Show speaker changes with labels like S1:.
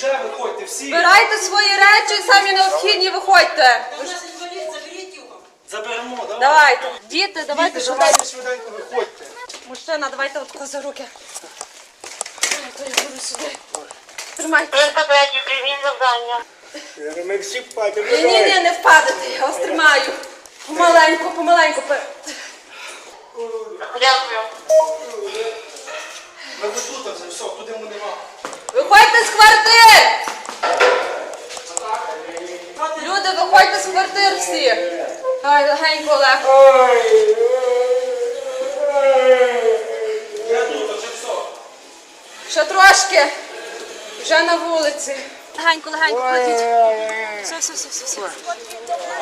S1: Вже виходьте всі.
S2: Збирайте свої речі, самі необхідні, виходьте.
S3: Заберіть його.
S1: Заберемо, давай.
S2: Давайте. Діти, давайте
S1: Діти,
S2: швиденько.
S1: давайте швиденько виходьте.
S2: Мужчина, давайте отко за руки. То я буду сюди. Тримайте.
S3: Прийміть завдання.
S1: Ми всі впадемо.
S2: Ні, не впадете, я вас тримаю. Помаленьку, помаленьку.
S3: Дякую.
S1: Ми вже тут вже, все, туди ми нема.
S2: Виходьте з квартир! Люди, виходьте з квартир всі. Ай, легенько, Олег.
S1: Я тут, вже все.
S2: Ще трошки. Вже на вулиці. Легенько, легенько, ходіть. Все.